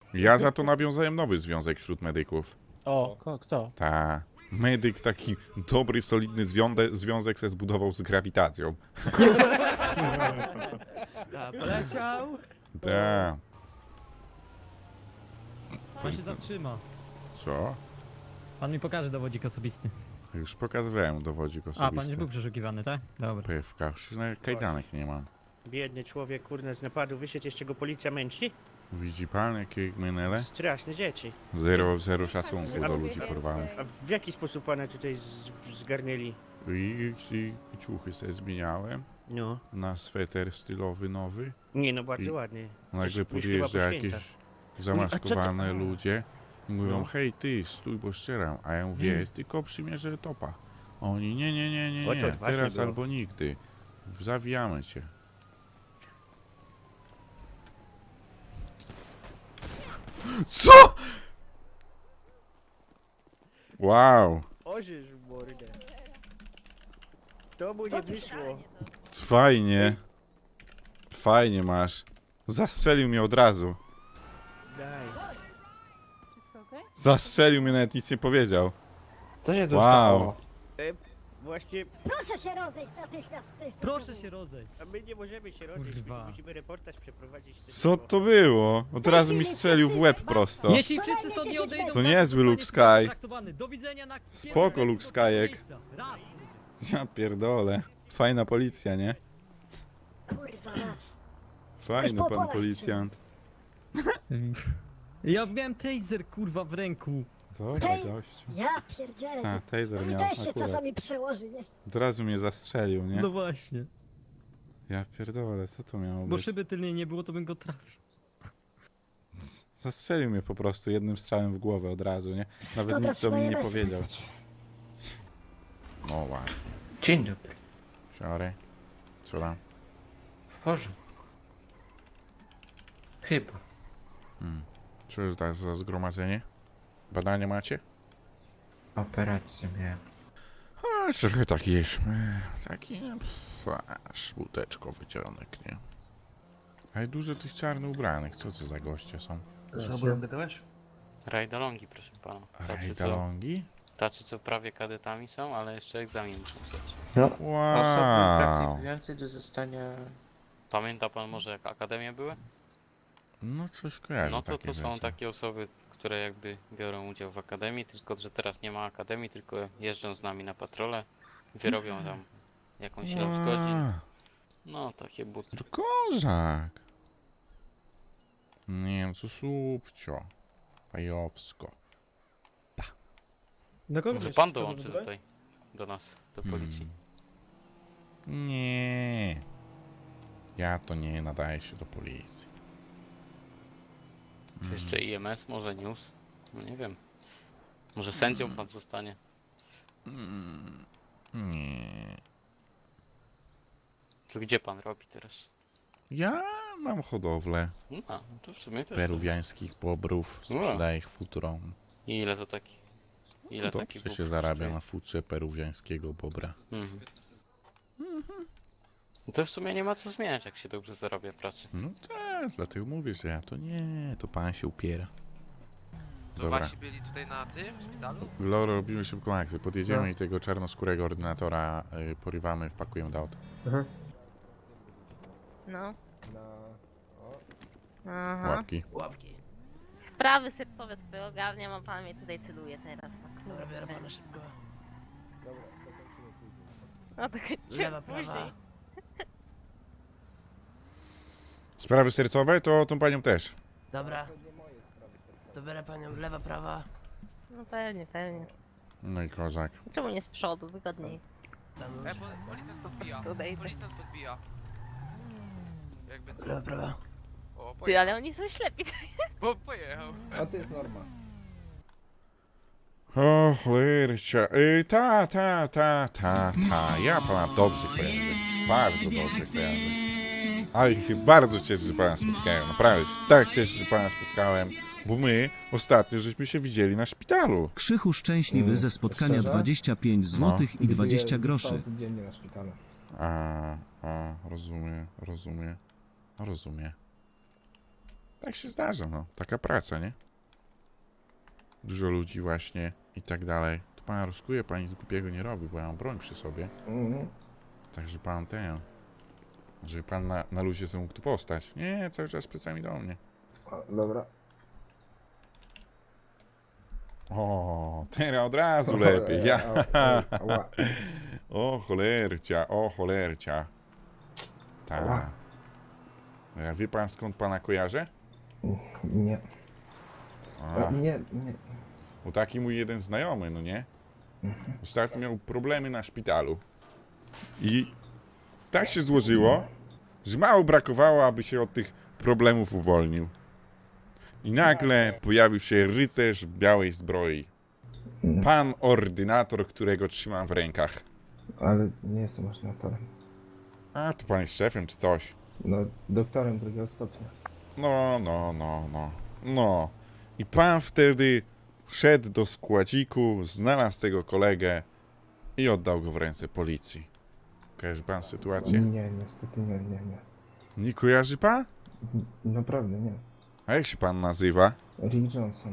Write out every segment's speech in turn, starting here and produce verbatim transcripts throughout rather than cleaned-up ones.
Ja za to nawiązałem nowy związek wśród medyków. O, ko, kto? Ta. Medyk taki dobry, solidny zwiąde, związek se zbudował z grawitacją. Ta, poleciał. Ta. Pan się zatrzyma. Co? Pan mi pokaże dowodzik osobisty. Już pokazywałem dowodzik A, pan już osobisty. był przeszukiwany, tak? Dobra. Pewka, już nawet kajdanek nie mam. Biedny człowiek, kurde, z napadu wyszedł, jeszcze go policja męczy? Widzi pan, jakie menele? Straszne dzieci. Zero, zero szacunku do ludzi porwałem. A w jaki sposób pana tutaj z- zgarnęli? I, i ciuchy se zmieniałem No. na sweter stylowy nowy. Nie no, bardzo I ładnie. Nagle Już- już chyba podjeżdża po jakieś świętach. zamaskowane a. ludzie i mówią, No. hej ty, stój, bo strzelam. A ja mówię, tylko przymierzę topa. A oni, nie, nie, nie, nie, O, to nie, odważnie teraz było. albo nigdy. Zawijamy cię. Co?! Wow, Ożysz w mordę. To mu nie wyszło. fajnie. Fajnie masz. Zastrzelił mnie od razu. Nice. Wszystko okej? Zastrzelił mnie, nawet nic nie powiedział. Co się tu Wow. stało? Właśnie, Proszę się rozejść natychmiast z tej Proszę strony. się rozejść. a my nie możemy się rozejść, Kurwa. my musimy reportaż przeprowadzić. z Co tego. to było? Od razu mi strzelił w łeb prosto. Jeśli wszyscy stąd nie odejdą, To każdy niezły zostanie Luke Sky. traktowany. Do widzenia na Spoko, pięćset Luke do Skyek. miejsca. Raz. Ja pierdolę. Fajna policja, nie? Kurwa masz. Fajny po pan polach policjant. Ja miałem taser, kurwa, w ręku. Dobra, Hej. gościu. Ja pierdzielę. A, taser To miał też się akurat. czasami przełoży, nie? Od razu mnie zastrzelił, nie? No właśnie. Ja pierdolę, co to miało Bo być? szyby tylnej nie było, to bym go trafił. Zastrzelił mnie po prostu jednym strzałem w głowę od razu, nie? Nawet Dobra, nic do mnie nie trzeba je powiedział. wezwać. O ładnie. Dzień dobry. Siary. Co tam? W porządku. Chyba. Hmm. Co jest to za zgromadzenie? Badania macie? Operację miałem. A, trochę taki jest. e, Taki, pff, aż łódeczko wyciągnek, nie? Ale dużo tych czarnych ubranych, co to za goście są? Z ogólem gadałeś? Rajdalongi, proszę pana. Tacy co, Rajdalongi? tacy, co prawie kadetami są, ale jeszcze egzamin muszą zdać. No. Osoby Wow. praktykujące do zostania... Pamięta pan może, jak akademie były? No coś kojarzę No to takie to są rzeczy. takie osoby, które jakby biorą udział w akademii, tylko że teraz nie ma akademii, tylko jeżdżą z nami na patrole, wyrobią tam jakąś ilość godzin. Wow. No, takie buty. To kozak. Nie wiem, co słupcio. Fajowsko. Do kogo Może byś pan chciał dołączy wybrać? tutaj, do nas, do policji. Hmm. Nie. Ja to nie nadaję się do policji. Czy jeszcze I M S, może news? No nie wiem. Może sędzią pan zostanie. Mm. Nie. To gdzie pan robi teraz? Ja mam hodowlę No, no to w sumie też. peruwiańskich bobrów. Sprzedaję ich futrom. I ile to taki? Ile taki Dobrze bób się zarabia kosztuje? na futrze peruwiańskiego bobra. Mhm. No to w sumie nie ma co zmieniać, jak się dobrze zarabia pracy. No też, dlatego mówię, że ja to nie, to pan się upiera. To Dobra. wasi byli tutaj na tym szpitalu? Loro, robimy szybką akcję. Podjedziemy No. i tego czarnoskórego ordynatora y, porywamy, wpakujemy do auta. Mhm. No. Na... Aha. Łapki. Łapki. Sprawy sercowe sobie ogarniam, a pan mnie tutaj celuje teraz. No, Dobra, biorę kurczę. pana szybko. Dobra, dokończymy później. No to kończymy Lewa, prawa. później. Sprawy sercowe to tą panią też. Dobra, To nie moje sprawy sercowe. to biorę panią lewa, prawa. No pewnie, pewnie. No i kozak. Czemu nie z przodu? Wygodniej. Tam E, po, policjant podbija. prostu odejdę. Policjant podbija. Jakby co? lewa, prawa. O, Ty, pojechał. ale oni są ślepi. Po, pojechał. A to jest norma. O, cholercia. Y, ta, ta, ta, ta, ta. Ja pana dobrze kojarzę. Bardzo dobrze kojarzę. Ale się bardzo cieszę, że pana spotkałem. Naprawdę się tak cieszę, że pana spotkałem. Bo my ostatnio żeśmy się widzieli na szpitalu. Krzychu szczęśliwy Mm, ze spotkania szczerze? dwadzieścia pięć złotych i dwadzieścia Widuję groszy. sto osób dziennie na szpitalu. A, a, rozumiem, rozumiem. Rozumiem. Tak się zdarza, no. Taka praca, nie? Dużo ludzi właśnie i tak dalej. To pan rozkuje, pan nic głupiego nie robi, bo ja mam broń przy sobie. Mhm. Także pan ten... Żeby pan na, na luzie sobie mógł tu postać. Nie, cały czas plecami do mnie. O, dobra. O, teraz od razu lepiej. Ja. Ała, ała. O cholercia, o cholercia. Tak. Ała. A wie pan skąd pana kojarzę? Nie. A, O, nie, nie. bo taki mój jeden znajomy, no nie? Ostatnio miał problemy na szpitalu. I tak się złożyło, że mało brakowało, aby się od tych problemów uwolnił. I nagle pojawił się rycerz w białej zbroi. Pan ordynator, którego trzymam w rękach. Ale nie jestem ordynatorem. A, to pan jest szefem czy coś. No, doktorem drugiego stopnia. No, no, no, no, no. I pan wtedy wszedł do składziku, znalazł tego kolegę i oddał go w ręce policji. Kojarzy pan sytuację? Nie, niestety nie, nie, nie. Nie kojarzy pan? N- Naprawdę nie. A jak się pan nazywa? Rick Johnson.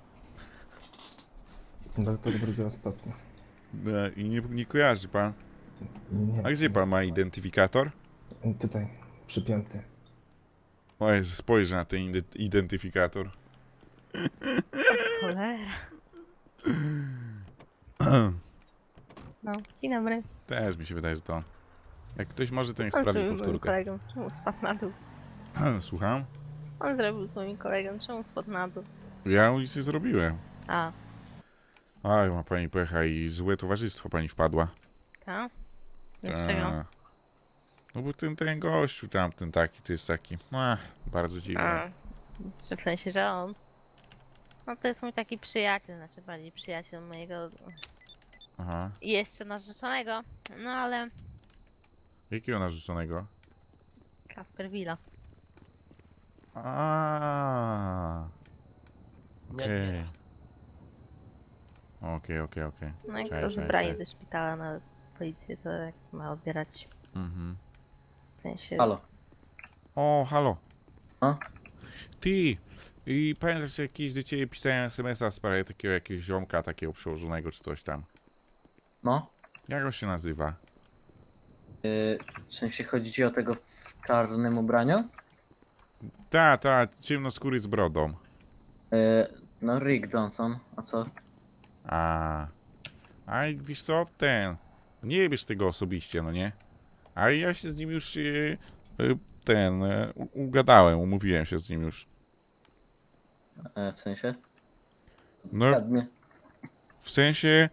Doktor drugiego stopnia. E, I nie, nie kojarzy pan. Nie. A gdzie pan ma identyfikator? Tutaj, przypięty. O, Jezu, spojrzę na ten ide- identyfikator. Cholera. No, dzień dobry. Też mi się wydaje, że to. Jak ktoś może, to niech Co pan sprawdzi zrobił z moim powtórkę. kolegą? Czemu spadł na dół? Słucham? Co pan zrobił z moim kolegą? Czemu spadł na dół? Ja nic nie zrobiłem. A, Aj, ma pani pecha i złe towarzystwo pani wpadła. tak? Dlaczego? Ta. No bo ten, ten gościu tamten taki, to jest taki, ach, bardzo dziwny. A, że w sensie, że on. No to jest mój taki przyjaciel, znaczy bardziej przyjaciel mojego Aha. jeszcze narzeczonego. No ale Jakiego narzeczonego? Kasper Willa. A. Nie, Okej. nie. Okej, okej, okej. No jak Cześć, go cześć, zebrali cześć. do szpitala na policję, to jak ma odbierać Mhm. w sensie. Halo. O, halo. A? Ty, i pamiętasz, że jakieś do ciebie pisałem es em es a w sprawie takiego jakiegoś ziomka, takiego przełożonego czy coś tam. No? Jak on się nazywa? Yy, w sensie chodzi ci o tego w czarnym ubraniu? Ta, ta, ciemnoskóry z brodą. Yy, no Rick Johnson, a co? A, a i wiesz co, ten, nie wiesz tego osobiście, no nie? A ja się z nim już, e, e, ten, e, u- ugadałem, umówiłem się z nim już. Yy, w sensie? No, Ładnie. w sensie,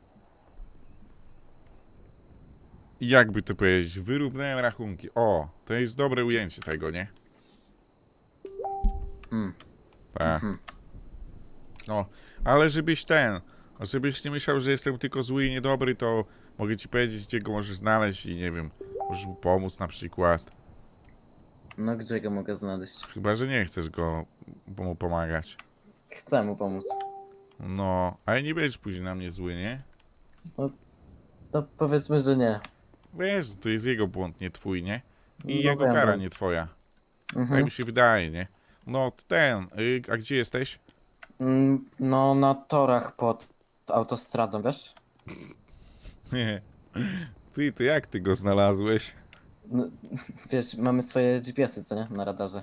jakby to powiedzieć, wyrównałem rachunki. O, to jest dobre ujęcie tego, nie? Mm. Tak. Mhm. No, ale żebyś ten, żebyś nie myślał, że jestem tylko zły i niedobry, to mogę ci powiedzieć, gdzie go możesz znaleźć i nie wiem, możesz mu pomóc na przykład. No gdzie go mogę znaleźć? Chyba, że nie chcesz go mu pomagać. Chcę mu pomóc. No, ale nie będziesz później na mnie zły, nie? No powiedzmy, że nie. Wiesz, to jest jego błąd, nie twój, nie? I No jego wiem, kara, wiem. nie twoja. Tak Mhm. mi się wydaje, nie? No, ten, y, a gdzie jesteś? Mm, no na torach pod autostradą, wiesz? Nie. Ty, to jak ty go znalazłeś? No, wiesz, mamy swoje G P S y, co nie? Na radarze.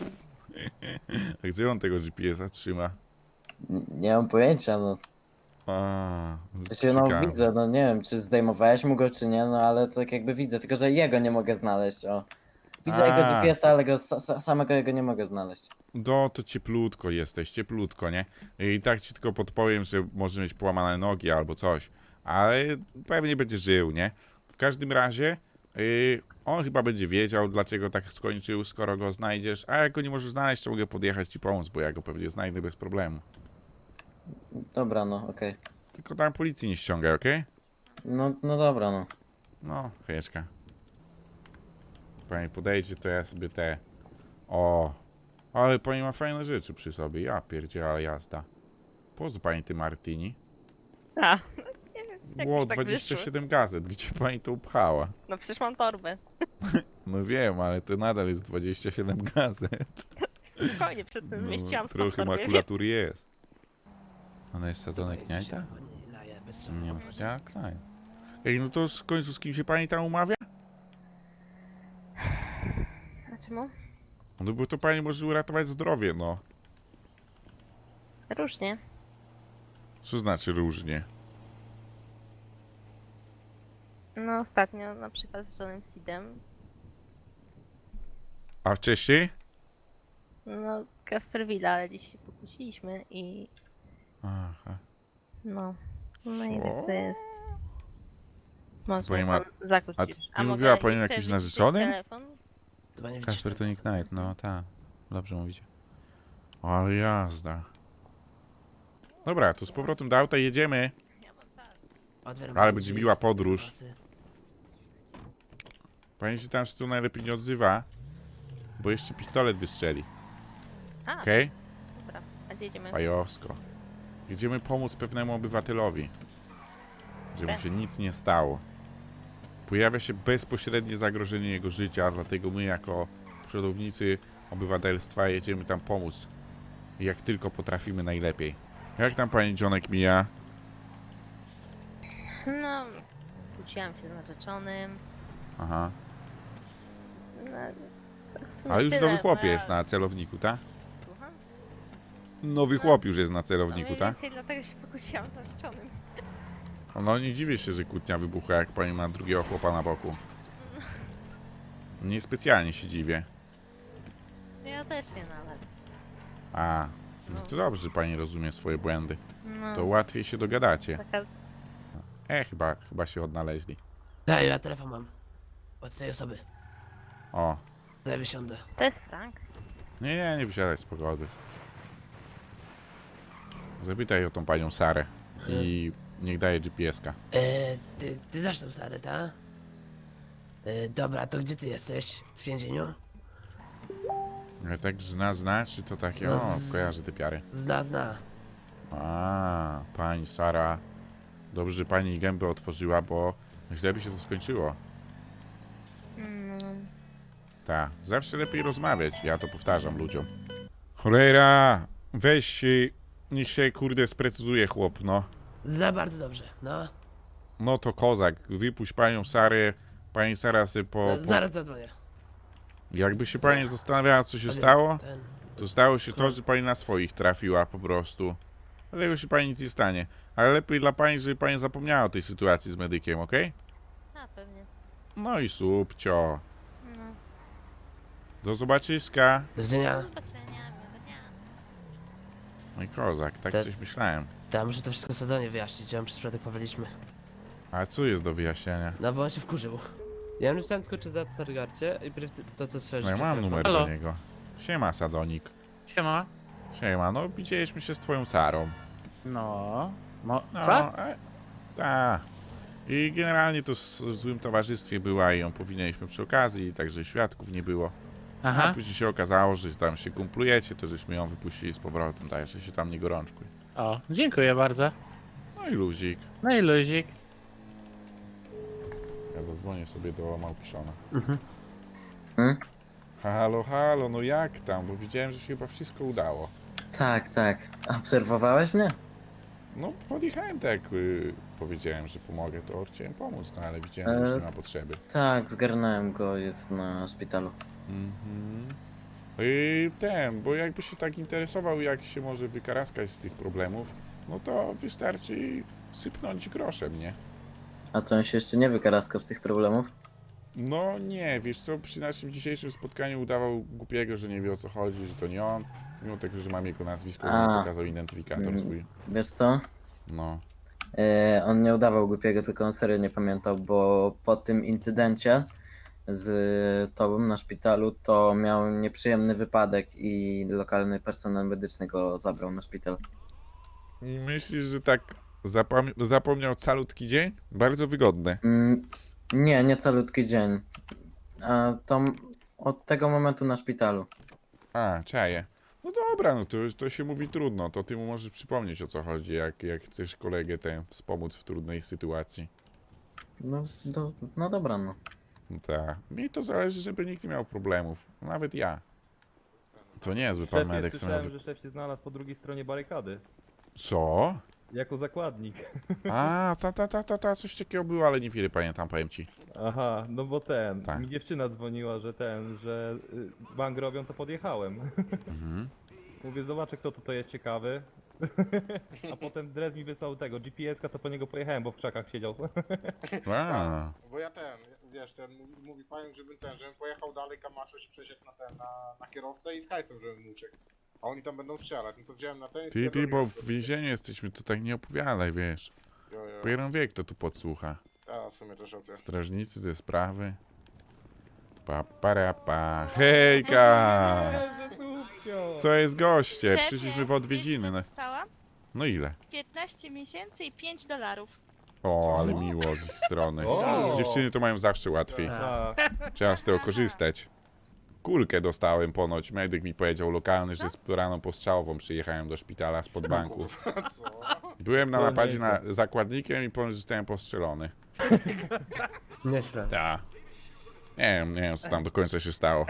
A gdzie on tego G P S a trzyma? N- nie mam pojęcia, no. A, W sensie, no ciekawe. widzę, no nie wiem, czy zdejmowałeś mu go, czy nie, no ale tak jakby widzę, tylko że jego nie mogę znaleźć, o. Widzę A. jego G P S a, ale go, sa, sa- samego jego nie mogę znaleźć. No, to cieplutko jesteś, cieplutko, nie? I tak ci tylko podpowiem, że może mieć połamane nogi albo coś. Ale pewnie będzie żył, nie? W każdym razie, yy, on chyba będzie wiedział, dlaczego tak skończył, skoro go znajdziesz. A jak go nie możesz znaleźć, to mogę podjechać ci pomóc, bo ja go pewnie znajdę bez problemu. Dobra, no, okej. Tylko tam policji nie ściągaj, okej? No, no dobra, no. No, chwileczkę. Pani podejdzie, to ja sobie te... O, ale pani ma fajne rzeczy przy sobie. Ja pierdzielę, ale jazda. Po co pani ty Martini? A, nie wiem, jak Było już tak dwadzieścia wyszło. siedem gazet, gdzie pani to upchała? No przecież mam torbę. No wiem, ale to nadal jest dwadzieścia siedem gazet. Spokojnie, przed tym zmieściłam No, trochę sponsor, wiesz? makulatury jest. Ona jest sadzona kniajta? Pani laje bez Nie szału. wiem, powiedziała Klein. Ej, no to w końcu z kim się pani tam umawia? A czemu? No bo to pani może uratować zdrowie, no. Różnie. Co znaczy różnie? No ostatnio na przykład z Johnem Seedem, A wcześniej? no Kasper Willa, ale dziś się pokłóciliśmy i Aha. no, no i Co? tak to jest. Może Pani pan ma- zakuć a już. nie mogę mówiła pani o jeszcze jakimś wyciszyć narzeczonym? telefon? Chyba nie Kasper widzisz. to nie Knight, no tak. Dobrze mówicie. Ale jazda. Dobra, to z powrotem do auta jedziemy. Otwieram Ale pani będzie drzwi. miła podróż. Pasy. Pani się tam z tyłu najlepiej nie odzywa. Bo jeszcze pistolet wystrzeli. A, Okej? dobra. A gdzie jedziemy? Fajowsko. Jedziemy pomóc pewnemu obywatelowi. Żeby mu Okej. się nic nie stało. Pojawia się bezpośrednie zagrożenie jego życia, dlatego my jako przodownicy obywatelstwa jedziemy tam pomóc. Jak tylko potrafimy najlepiej. Jak tam pani Johnek mija? No, kłóciłam się z narzeczonym. Aha. No, to w sumie Ale już tyle, nowy chłop no, jest na celowniku, tak? Słucham? Nowy chłop już jest na No celowniku, mniej tak? więcej dlatego się pokłóciłam z narzeczonym. No nie dziwię się, że kłótnia wybucha, jak pani ma drugiego chłopa na boku. Niespecjalnie się dziwię. Ja też nie nawet. A, no to dobrze, że pani rozumie swoje błędy. No, To łatwiej się dogadacie. taka E, chyba, chyba się odnaleźli. Daj, ja telefon mam. Od tej osoby. O, Daj, wysiądę. Czy to jest Frank? nie, nie, nie wysiadaj z pogody. Zapytaj o tą panią Sarę i niech daje G P S-ka. E, ty, ty znasz tą Sarę, ta? E, dobra, to gdzie ty jesteś? W więzieniu? Ale tak zna, zna, czy to takie, No o, z- kojarzy te piary. Zna, zna. A, pani Sara. Dobrze, że pani gębę otworzyła, bo źle by się to skończyło. Mm, Tak, zawsze lepiej rozmawiać, ja to powtarzam ludziom. Cholera, weź się, niech się kurde sprecyzuje chłop, no. Zna bardzo dobrze, no. No to kozak, wypuść panią Sarę, pani Sara sobie po... no po... zaraz zadzwonię. Jakby się pani zastanawiała, co się Powiem, stało, Ten. to stało się to, że pani na swoich trafiła po prostu. Dlatego się pani nic nie stanie. Ale lepiej dla pani, żeby pani zapomniała o tej sytuacji z medykiem, okej? a pewnie. No i subcio. No. Do zobaczyska. Do widzenia. Do zobaczenia, miłego dnia. No i kozak, tak Te- coś myślałem. Tam muszę to wszystko sadzenie wyjaśnić, ja mam przez przypadek powaliśmy. A co jest do wyjaśnienia? No bo on się wkurzył. Ja myślałem tylko czy za Stargarcie i pierw ty- to co strzelisz. No ja mam numer Halo. do niego. Siema, sadzonik. Siema. Siema, no widzieliśmy się z twoją Sarą. No. Mo No, co? e, ta. I generalnie to s- w złym towarzystwie była i ją powinniśmy przy okazji, także świadków nie było. A Aha. później się okazało, że tam się kumplujecie, to żeśmy ją wypuścili z powrotem, tak, że się tam nie gorączkuj. O, dziękuję bardzo. No i luzik. No i luzik. Ja zadzwonię sobie do Małpiszona. Hmm? Halo, halo, no jak tam? Bo widziałem, że się chyba wszystko udało. Tak, tak. Obserwowałeś mnie? No podjechałem tak, y, powiedziałem, że pomogę, to chciałem pomóc, no ale widziałem, że już E, nie ma potrzeby. Tak, zgarnąłem go, jest na szpitalu. Mhm. I ten, bo jakby się tak interesował, jak się może wykaraskać z tych problemów, no to wystarczy sypnąć groszem, nie? A co, on się jeszcze nie wykaraskał z tych problemów? No nie, wiesz co, przy naszym dzisiejszym spotkaniu udawał głupiego, że nie wie o co chodzi, że to nie on, mimo tego, że mam jego nazwisko, A. on pokazał identyfikator Mm. swój. Wiesz co? No. E, on nie udawał głupiego, tylko on serio nie pamiętał, bo po tym incydencie z tobą na szpitalu to miał nieprzyjemny wypadek i lokalny personel medyczny go zabrał na szpital. Myślisz, że tak zapam- zapomniał calutki dzień? Bardzo wygodne. Mm, nie, nie calutki dzień. A to m- od tego momentu na szpitalu. A, czaję. No dobra, no to, to się mówi trudno, to ty mu możesz przypomnieć o co chodzi, jak, jak chcesz kolegę ten wspomóc w trudnej sytuacji. No, do, no dobra, no. Tak. Mi to zależy, żeby nikt nie miał problemów. Nawet ja. To niezły pan Szefie, medyk. słyszałem, sobie- że szef się znalazł po drugiej stronie barykady. Co? Jako zakładnik. A, ta, ta, ta, ta, ta, coś takiego było, ale niewiele pamiętam, powiem ci. Aha, no bo ten, Tak. mi dziewczyna dzwoniła, że ten, że y, bank robią, to podjechałem. Mhm. Mówię, zobaczę kto tutaj jest ciekawy. A potem Drez mi wysłał tego, G P S-ka, to po niego pojechałem, bo w krzakach siedział. A, Bo ja ten, wiesz, ten mówi, mówi pająk, żebym ten, żebym pojechał dalej, Kamacho się przesiadł na ten, na, na kierowcę i z hajsem, żebym uciekł. A oni tam będą strzelać, no to wziąłem na ten i ty, ty, bo spierdoliłem w sobie. więzieniu jesteśmy, to tak nie opowiadaj, wiesz. Jo, jo. Pierwszy wiek to tu podsłucha. A, w sumie też racja. Strażnicy, te sprawy. Pa, para, pa. Hejka! Że subcio! Co jest goście? Szefie, Przyszliśmy w odwiedziny. No, Dostałam no ile? piętnaście miesięcy i pięć dolarów. O, ale miło z ich strony. O! Dziewczyny to mają zawsze łatwiej. Tak. Trzeba z tego korzystać. Kulkę dostałem ponoć. Medyk mi powiedział lokalny, że z raną postrzałową przyjechałem do szpitala spod banku. Co? Byłem na To napadzie nieźle. na zakładnikiem i ponoć zostałem postrzelony. Nieźle. Ta. Nie wiem, nie wiem co tam do końca się stało.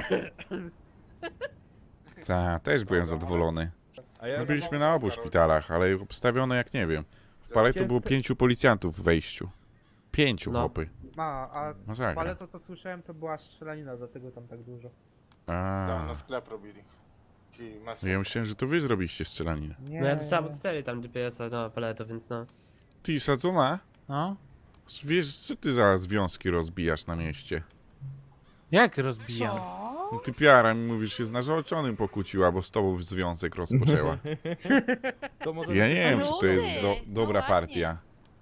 Ta, też byłem zadowolony. A ja No byliśmy na obu szpitalach, ale obstawione jak nie wiem. W Paleto było pięciu policjantów w wejściu. Pięciu No. chłopy. A, a Masakra. ale to co słyszałem to była strzelanina, dlatego tam tak dużo. A, Tam na sklep robili. Ci mesy. ja myślałem, że to wy zrobiliście strzelaninę. Nie. No ja dostałem od serii tam G P S-a na paleto, więc no. Ty, sadzona? No? Wiesz, co ty za związki rozbijasz na mieście? Jak rozbijam? No ty piara mi mówisz, się z narzeczonym pokłóciła, bo z tobą związek rozpoczęła. To może Ja nie wiem, czy to jest do, Rudy, dobra no partia.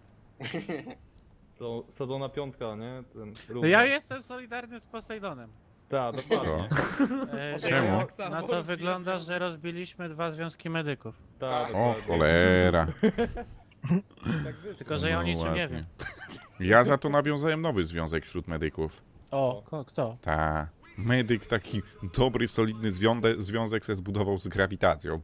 to sadzona piątka, nie? Ten No ja jestem solidarny z Posejdonem. Tak, dokładnie. E, Czemu? No to wygląda, że rozbiliśmy dwa związki medyków. Tak, O dokładnie. cholera. Tak wyszło. Tylko, że ja o No niczym nie ładnie. wiem. Ja za to nawiązałem nowy związek wśród medyków. O, ko, kto? Ta. Medyk taki dobry, solidny zwiąde, związek se zbudował z grawitacją.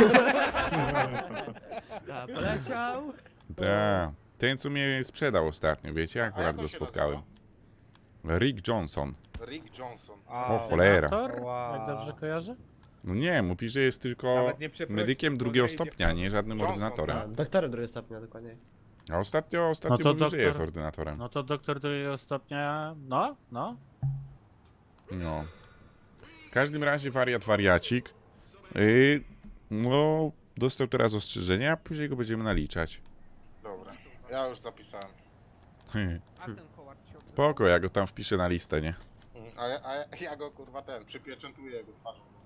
A, poleciał. Ta. Ten, co mnie sprzedał ostatnio, wiecie? A Akurat jak on go się spotkałem. Rick Johnson. Rick Johnson. O cholera. Senator? Wow. Jak dobrze kojarzę? No nie, mówi, że jest tylko Nawet nie przeprosił, medykiem bo drugiego nie idzie stopnia, w nie żadnym Johnson, ordynatorem. tak. Doktorem drugiego stopnia dokładnie. A ostatnio, ostatnio No to mówił, że doktor- jest ordynatorem. No to doktor drugiego stopnia, no, no. No. W każdym razie wariat wariacik. Yy, no, dostał teraz ostrzeżenia, a później go będziemy naliczać. Dobra, ja już zapisałem. Spoko, ja go tam wpiszę na listę, nie? A ja, a ja, ja go kurwa ten, przypieczętuję jego twarzą.